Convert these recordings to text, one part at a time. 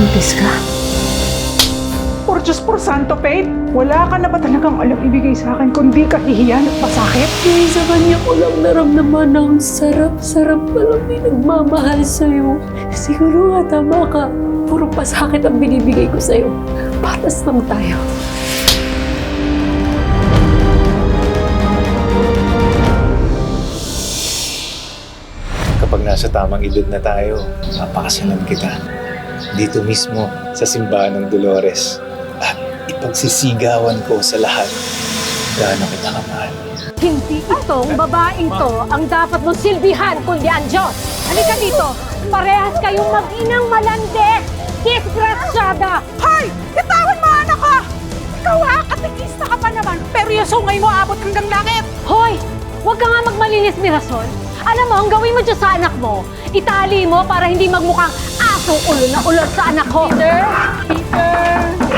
Buntis ka? Por Diyos por Santo, Faith, wala ka na ba talagang alam ibigay sa akin kundi kahihiyan at masakit? Kaya sa kanya ko lang naramdaman ang sarap-sarap palang may nagmamahal sa'yo. Siguro nga tama ka. Puro pasakit ang binibigay ko sa'yo. Patas lang tayo. Kapag nasa tamang edad na tayo, papakasalan kita. Dito mismo sa simbahan ng Dolores. At ipagsisigawan ko sa lahat gaano kita kamahal. Hindi itong babaeng to ang dapat mong silbihan, kundi ang Diyos. Halika dito. Parehas kayong mag-inang malandi. Disgrasyada! Hoy! Bitawan mo anak ko! Ikaw ha, katikista ka pa naman, pero yung sungay mo abot hanggang langit! Hoy! Huwag ka nga magmalinis, Mirasol. Alam mo, ang gawin mo dyan sa anak mo, itali mo para hindi magmukhang asong ulo na ulot sa anak ko. Peter! Peter!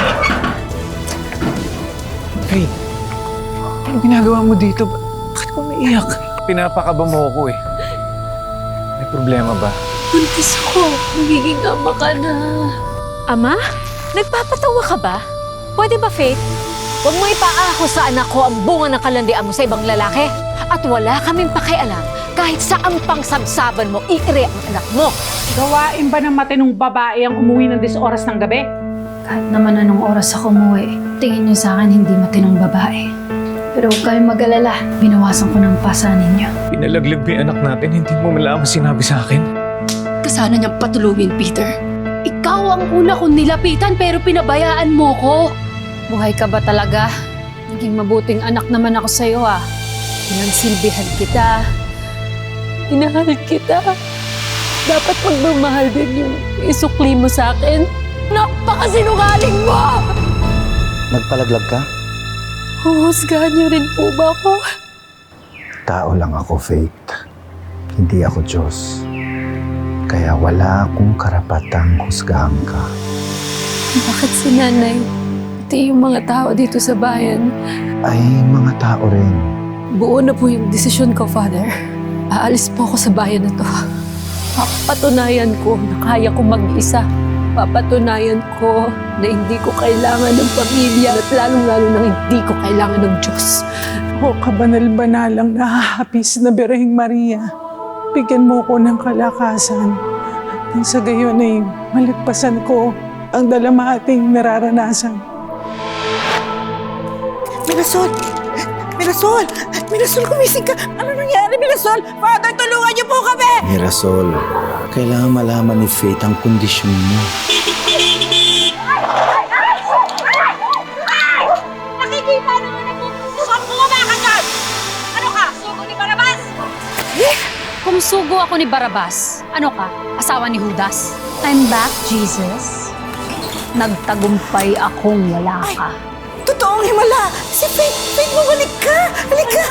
Hey, ano ginagawa mo dito? Bakit ko umiiyak? Pinapakaba mo ako eh. May problema ba? Buntis ako. Magiging ama ka na. Ama? Nagpapatawa ka ba? Pwede ba, Faith? Huwag mo ipaako sa anak ko ang bunga ng kalandian mo sa ibang lalaki. At wala kaming pakialam kahit saan pang sabsaban mo, iire ang anak mo. Gawain ba ng matinong babae ang umuwi ng 10 oras ng gabi? Kahit naman anong oras ako umuwi, tingin niyo sa akin hindi matinong babae. Pero huwag kayong mag-alala, binawasan ko ng pasa ninyo. Pinalaglag mo yung anak natin, hindi mo malaman sinabi sa akin. Kasana niyang patulungin, Peter. Ikaw ang una kong nilapitan pero pinabayaan mo ko. Buhay ka ba talaga? Naging mabuting anak naman ako sa'yo ah. Pinagsilbihan kita. Inahal kita. Dapat magmamahal din yung isukli mo sa akin. Napakasinungaling mo! Nagpalaglag ka? Huhusgahan niyo rin po ba ako? Tao lang ako, Faith. Hindi ako Diyos. Kaya wala akong karapatang husgahan ka. Bakit si nanay, pati yung mga tao dito sa bayan, Ay, mga tao rin. buo na po yung desisyon ko, Father. Aalis po ako sa bayan na to. Papatunayan ko na kaya ko mag-isa. Papatunayan ko na hindi ko kailangan ng pamilya at lalong-lalo na hindi ko kailangan ng Diyos. O kabanal-banalang nahahapis na Birheng Maria, bigyan mo ko ng kalakasan. Nang sa gayon ay malagpasan ko ang dalamating nararanasan. Mirasol! Mirasol! Mirasol, kumising ka! Ano nangyari, Mirasol? Father, tulungan niyo po kami! Mirasol, kailangan malaman ni Faith ang kondisyon mo. Nakikita naman ako! Saan bumaba ka dyan? Ano ka? Sugo ni Barabas? Kung sugo ako ni Barabas, ano ka? Asawa ni Judas? I'm back, Jesus. Nagtagumpay akong wala ka. Totoong himala! Si Faith! Faith, bumalik ka! Halika!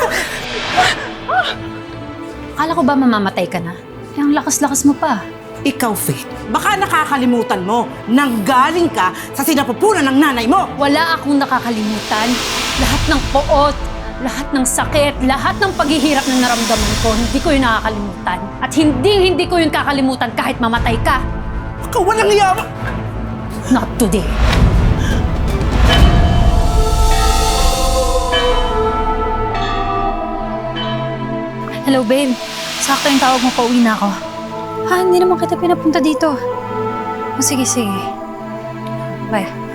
Akala ko ba mamamatay ka na? Eh, ang lakas-lakas mo pa. Ikaw, Faith, baka nakakalimutan mo nang galing ka sa sinapupunan ng nanay mo. Wala akong nakakalimutan. Lahat ng poot, lahat ng sakit, lahat ng paghihirap na naramdaman ko, hindi ko yun nakakalimutan. At hindi ko yun kakalimutan kahit mamatay ka. Baka walang yawa. Not today. Hello, babe. Sakto yung tawag mo, pauwi na ako. Ha, hindi naman kita pinapunta dito. O, sige, sige. Bye.